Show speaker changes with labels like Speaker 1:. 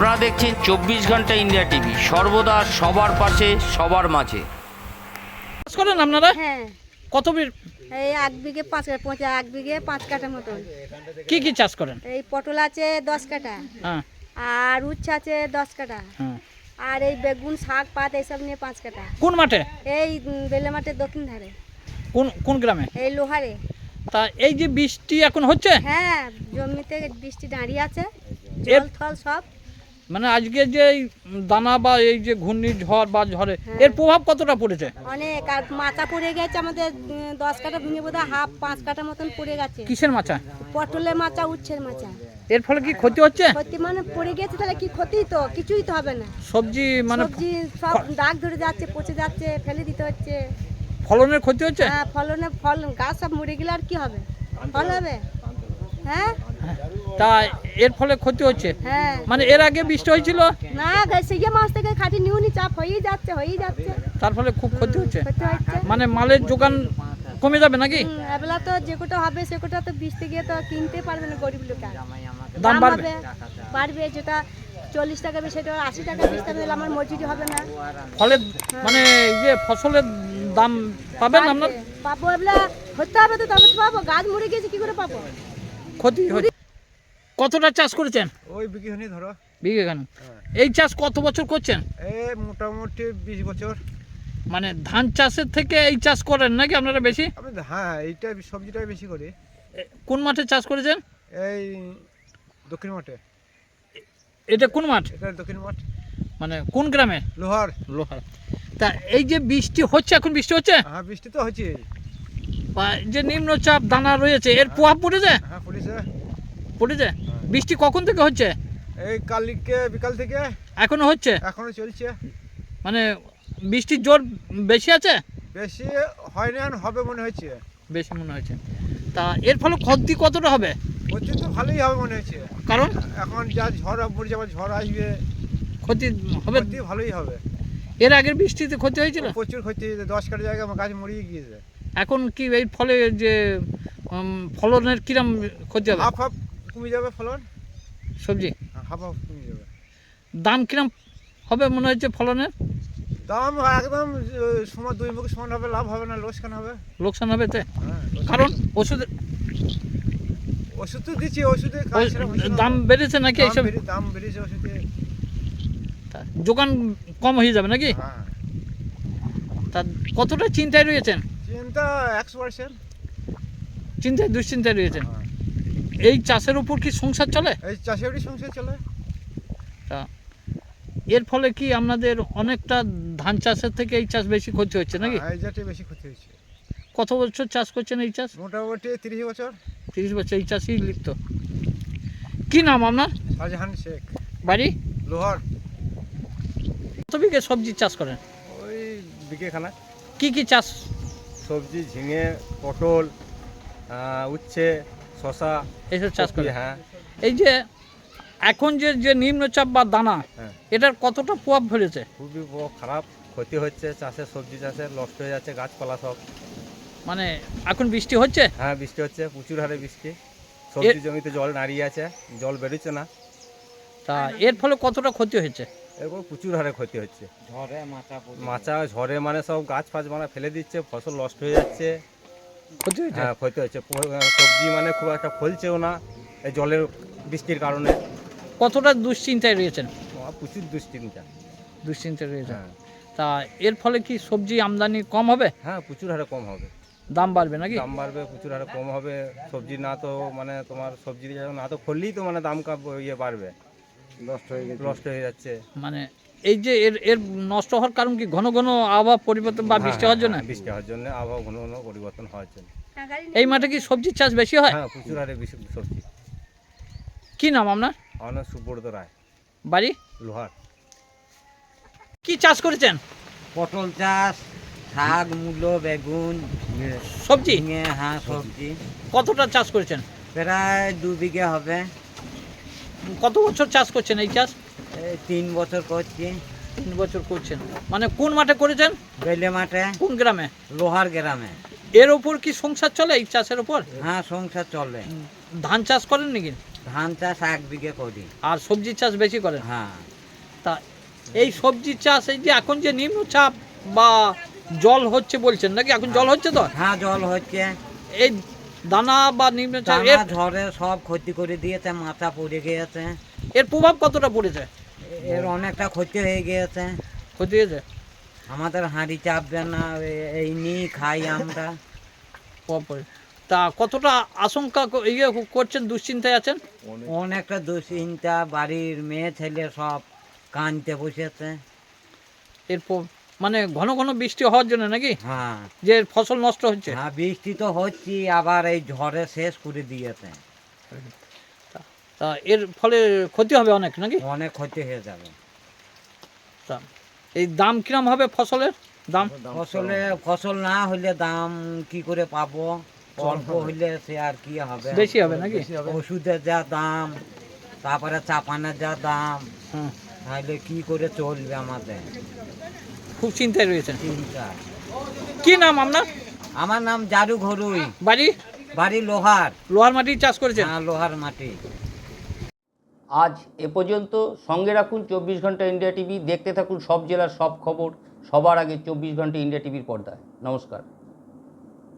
Speaker 1: আপনারা দেখছেন 24 ঘন্টা ইন্ডিয়া টিভি, সর্বদা সবার পাশে সবার মাঝে।
Speaker 2: চাষ করেন আপনারা?
Speaker 3: হ্যাঁ,
Speaker 2: কত
Speaker 3: এই 1 বিঘে 1 বিঘে 5 কাঠা মতন।
Speaker 2: কি কি চাষ করেন?
Speaker 3: এই পটল আছে 10 কাঠা,
Speaker 2: হ্যাঁ
Speaker 3: আর উচ্ছে আছে 10 কাঠা,
Speaker 2: হ্যাঁ।
Speaker 3: আর এই বেগুন শাক পাত এইসব নিয়ে 5 কাঠা।
Speaker 2: কোন মাঠে?
Speaker 3: এই বেলে মাঠের দক্ষিণ ধারে,
Speaker 2: কোন কোন গ্রামে?
Speaker 3: এই লোহারে।
Speaker 2: তা এই যে বৃষ্টি এখন হচ্ছে,
Speaker 3: হ্যাঁ, জমিতে বৃষ্টি দাঁড়িয়ে আছে,
Speaker 2: এর-
Speaker 3: জল থল সব।
Speaker 2: মানে আজকে যে এই দানা বা এই যে ঘূর্ণিঝড় বা ঝড়ে
Speaker 3: হ্যাঁ।
Speaker 2: এর প্রভাব কতটা পড়েছে?
Speaker 3: অনেক, আর মাচা পড়ে গেছে আমাদের 10 কাঠা ভেঙে বোধহয় হাফ 5 কাঠা মতন পড়ে গেছে।
Speaker 2: কিসের মাচা?
Speaker 3: পটলের মাচা, উচ্ছের মাচা।
Speaker 2: এর ফলে কি ক্ষতি হচ্ছে?
Speaker 3: ক্ষতি মানে পড়ে গেছে, তাহলে কি ক্ষতি? তো কিছুই তো হবে না।
Speaker 2: সবজি মানে
Speaker 3: সবজি সব দাগ ধরে যাচ্ছে, পচে যাচ্ছে, ফেলে দিতে হচ্ছে।
Speaker 2: ফলনের ক্ষতি হচ্ছে?
Speaker 3: হ্যাঁ, ফল গাছ সব মরে গেলে আর কি হবে? ফল হবে? হ্যাঁ
Speaker 2: তা এর ফলে ক্ষতি হচ্ছে।
Speaker 3: হ্যাঁ।
Speaker 2: মানে এর আগে বৃষ্টি হয়েছিল,
Speaker 3: না, সেই মাছ থেকে খাটি নিউনি চাপ হয়েই যাচ্ছে।
Speaker 2: তার ফলে খুব ক্ষতি হচ্ছে।
Speaker 3: ক্ষতি হচ্ছে।
Speaker 2: মানে মালের যোগান কমে যাবে নাকি?
Speaker 3: এবেলা তো যে কোটা হবে সে কোটা তো বৃষ্টি গিয়ে তো কিনতে পারবে না গরিব লোক।
Speaker 2: দাম বাড়বে?
Speaker 3: বাড়বে, যেটা 40 টাকা বেশি সেটা 80 টাকা বেশি তাহলে আমার মজুরি হবে না।
Speaker 2: ফলে মানে এই যে ফসলের দাম পাবেন আপনার?
Speaker 3: পাবো, এবেলা হতে হবে তো, তবে তো পাবো। গাছ মরে গেছে, কি করে পাবো?
Speaker 2: ক্ষতি হচ্ছে। কতটা চাষ করেছেন?
Speaker 4: ওই বিঘেখানি ধরো।
Speaker 2: বিঘেখান। এই চাষ কত বছর করছেন?
Speaker 4: এই মোটামুটি 20 বছর।
Speaker 2: মানে ধান চাষের থেকে এই চাষ করেন নাকি আপনারা বেশি?
Speaker 4: আমি হ্যাঁ, এইটা সবজিটাই বেশি করি।
Speaker 2: কোন মাঠে চাষ করেছেন?
Speaker 4: এই দক্ষিণ মাঠে।
Speaker 2: এটা কোন মাঠ?
Speaker 4: এটা দক্ষিণ মাঠ,
Speaker 2: মানে কোন গ্রামে?
Speaker 4: লোহার।
Speaker 2: লোহার। তা এই যে বৃষ্টি হচ্ছে, এখন বৃষ্টি হচ্ছে
Speaker 4: হ্যাঁ, বৃষ্টি তো হচ্ছে।
Speaker 2: বা যে নিম্নচাপ দানা রয়েছে এর প্রভাব পড়েছে?
Speaker 4: হ্যাঁ, পড়েছে।
Speaker 2: পড়েছে। বৃষ্টি কখন থেকে হচ্ছে?
Speaker 4: এই কালকে বিকাল থেকে
Speaker 2: এখনো হচ্ছে?
Speaker 4: এখনো চলছে।
Speaker 2: মানে বৃষ্টির জোর বেশি আছে?
Speaker 4: বেশি হয় না, হবে মনে হচ্ছে।
Speaker 2: বেশি মনে হচ্ছে। তা এর ফলে ক্ষতি কতটা হবে?
Speaker 4: হচ্ছে তো ভালোই হবে মনে হচ্ছে।
Speaker 2: কারণ
Speaker 4: এখন যা ঝড় যাবে, ঝড় আসবে,
Speaker 2: ক্ষতি হবে।
Speaker 4: ক্ষতি ভালোই হবে।
Speaker 2: এর আগের বৃষ্টিতে ক্ষতি হয়েছিল?
Speaker 4: প্রচুর ক্ষতি, 10 কাঠা জায়গায় আমার গাছ মরিয়ে গিয়েছে।
Speaker 2: এখন কি এই ফলে যে ফলনের কিরম ক্ষতি হবে?
Speaker 4: হাফ হাফ কমে যাবে ফলন।
Speaker 2: সবজি
Speaker 4: হাফ হাফ কমে যাবে।
Speaker 2: দাম কিরম হবে মনে হচ্ছে ফলনের?
Speaker 4: দাম একদম সমান, দুই মুখে সমান হবে, লাভ হবে না, লোকসান হবে।
Speaker 2: লোকসান হবে তে?
Speaker 4: হ্যাঁ,
Speaker 2: কারণ ওষুধের
Speaker 4: ওষুধ তো দিচ্ছি, ওষুধে কাজ সেরকম হচ্ছে না।
Speaker 2: দাম বেড়েছে নাকি? এইসব
Speaker 4: দাম বেড়েছে ওষুধে।
Speaker 2: যোগান কম হয়ে যাবে নাকি?
Speaker 4: হ্যাঁ,
Speaker 2: তা কতটা চিন্তায় রয়েছেন?
Speaker 4: চিন্তা 100%।
Speaker 2: চিন্তায় দুশ্চিন্তায় রয়েছেন।
Speaker 4: হ্যাঁ।
Speaker 2: এই চাষের উপর কি সংসার চলে?
Speaker 4: এই চাষেরই সংসার চলে।
Speaker 2: তা এর ফলে কি আপনাদের অনেকটা ধান চাষের থেকে এই চাষ বেশি ক্ষতি হচ্ছে নাকি?
Speaker 4: হ্যাঁ, এই জাতীয় বেশি ক্ষতি হয়েছে।
Speaker 2: কত বছর চাষ করছেন এই চাষ?
Speaker 4: মোটামুটি 30 বছর।
Speaker 2: 30 বছর এই চাষেই লিপ্ত। কি নাম আপনার?
Speaker 4: শাহজাহান শেখ,
Speaker 2: বাড়ি?
Speaker 4: লোহার।
Speaker 2: কত বিঘে সবজি চাষ করেন?
Speaker 4: ওই বিঘেখানা।
Speaker 2: কি কি চাষ?
Speaker 4: সবজি, ঝিঙে, পটল, উচ্ছে, শশা,
Speaker 2: এইসব চাষ
Speaker 4: কপি।
Speaker 2: করেন?
Speaker 4: হ্যাঁ,
Speaker 2: এই যে এখন যে নিম্নচাপ বা দানা,
Speaker 4: হ্যাঁ।
Speaker 2: এটার কতটা প্রভাব ফেলেছে?
Speaker 4: খুবই খারাপ ক্ষতি হচ্ছে চাষে, সবজি চাষে নষ্ট হয়ে যাচ্ছে গাছপালা সব।
Speaker 2: মানে এখন বৃষ্টি হচ্ছে?
Speaker 4: হ্যাঁ, বৃষ্টি হচ্ছে, প্রচুর হারে বৃষ্টি। সবজি জমিতে জল দাঁড়িয়ে আছে, জল বেরোচ্ছে না।
Speaker 2: তা এর ফলে কতটা ক্ষতি হয়েছে?
Speaker 4: এরপর প্রচুর হারে ক্ষতি হচ্ছে। ঝড়ে মানে সব গাছ ফাছ মানে ফেলে দিচ্ছে, ফসল নষ্ট হয়ে যাচ্ছে।
Speaker 2: ক্ষতি হয়েছে?
Speaker 4: হ্যাঁ, ক্ষতি হচ্ছে। সবজি মানে খুব একটা ফলছেও না এই জলের বৃষ্টির কারণে।
Speaker 2: কতটা দুশ্চিন্তায় রয়েছেন?
Speaker 4: প্রচুর দুশ্চিন্তা।
Speaker 2: দুশ্চিন্তায় রয়েছেন।
Speaker 4: হ্যাঁ,
Speaker 2: তা এর ফলে কি সবজি আমদানি কম হবে?
Speaker 4: হ্যাঁ, প্রচুর হারে কম হবে।
Speaker 2: দাম বাড়বে নাকি?
Speaker 4: দাম বাড়বে, প্রচুর হারে কম হবে। সবজি না তো মানে তোমার সবজি না তো ফললেই তো মানে দাম বাড়বে, নষ্ট হয়ে যাচ্ছে।
Speaker 2: মানে এই যে এর এর নষ্ট হওয়ার কারণ কি ঘন ঘন আবহাওয়া পরিবর্তন বা বৃষ্টি হওয়ার জন্য?
Speaker 4: বৃষ্টি হওয়ার জন্য, আবহাওয়া ঘন ঘন পরিবর্তন হওয়ার জন্য।
Speaker 2: এই মাঠে কি সবজির চাষ বেশি হয়?
Speaker 4: হ্যাঁ, প্রচুর হারে বেশি সবজি।
Speaker 2: কি নাম আপনার?
Speaker 4: আমার নাম সুব্রত রায়,
Speaker 2: বাড়ি?
Speaker 4: লোহার।
Speaker 2: কি চাষ করেছেন?
Speaker 5: পটল চাষ, শাক, মূলো, বেগুন,
Speaker 2: সবজি
Speaker 5: ঝিঙে, হ্যাঁ সবজি।
Speaker 2: কতটা চাষ করেছেন?
Speaker 5: প্রায় 2 বিঘে হবে।
Speaker 2: কত বছর চাষ করছেন এই চাষ?
Speaker 5: এই 3 বছর করছি।
Speaker 2: 3 বছর করছেন। মানে কোন মাঠে করেছেন?
Speaker 5: বেলে মাঠে,
Speaker 2: কোন গ্রামে?
Speaker 5: লোহার গ্রামে।
Speaker 2: এর ওপর কি সংসার চলে এই চাষের ওপর?
Speaker 5: হ্যাঁ, সংসার চলে।
Speaker 2: ধান চাষ করেন নাকি?
Speaker 5: ধান চাষ 1 বিঘে করি।
Speaker 2: আর সবজি চাষ বেশি করেন?
Speaker 5: হ্যাঁ।
Speaker 2: তা এই সবজি চাষ, এই যে এখন যে নিম্নচাপ বা জল হচ্ছে বলছেন নাকি, এখন জল হচ্ছে তো?
Speaker 5: হ্যাঁ, জল হচ্ছে।
Speaker 2: এই দানা বা নিম্নচাপ
Speaker 5: টানা ঝড়ে সব ক্ষতি করে দিয়েছে, মাথা পড়ে গিয়েছে।
Speaker 2: এর প্রভাব কতটা পড়েছে?
Speaker 5: এর অনেকটা ক্ষতি হয়ে গিয়েছে।
Speaker 2: ক্ষতি হয়েছে?
Speaker 5: আমাদের হাঁড়ি চাপবে না, এই নিয়ে খাই আমরা।
Speaker 2: প্রভাব পড়ে। তা কতটা আশঙ্কা ইয়ে করছেন, দুশ্চিন্তায় আছেন?
Speaker 5: অনেকটা দুশ্চিন্তা, বাড়ির মেয়ে ছেলে সব কাঁদতে বসেছে।
Speaker 2: এর মানে ঘন ঘন বৃষ্টি হওয়ার জন্য নাকি,
Speaker 5: হ্যাঁ।
Speaker 2: যে ফসল নষ্ট হচ্ছে?
Speaker 5: হ্যাঁ, বৃষ্টি তো হচ্ছে, আবার এই ঝড়ে শেষ করে দিয়েছে।
Speaker 2: তা এর ফলে ক্ষতি হবে অনেক নাকি?
Speaker 5: অনেক ক্ষতি হয়ে যাবে।
Speaker 2: তা এই দাম কিরম হবে ফসলের দাম?
Speaker 5: ফসল না হলে দাম কি করে পাবো? অল্প হইলে সে আর কি হবে?
Speaker 2: বেশি হবে নাকি?
Speaker 5: ওষুধের যা দাম, তারপরে চাপানের যা দাম,
Speaker 2: হুম,
Speaker 5: তাহলে কি করে চলবে আমাদের?
Speaker 2: খুব চিন্তায় রয়েছেন।
Speaker 5: চিন্তা।
Speaker 2: কি নাম আপনার?
Speaker 5: আমার নাম জারু ঘরুই,
Speaker 2: বাড়ি?
Speaker 5: বাড়ি লোহার।
Speaker 2: লোহার মাটি চাষ করেছেন?
Speaker 5: হ্যাঁ, লোহার মাটি।
Speaker 1: আজ এ পর্যন্ত। সঙ্গে রাখুন 24 ঘন্টা ইন্ডিয়া টিভি। দেখতে থাকুন সব জেলার সব খবর সবার আগে 24 ঘন্টা ইন্ডিয়া টিভির পর্দায়। নমস্কার।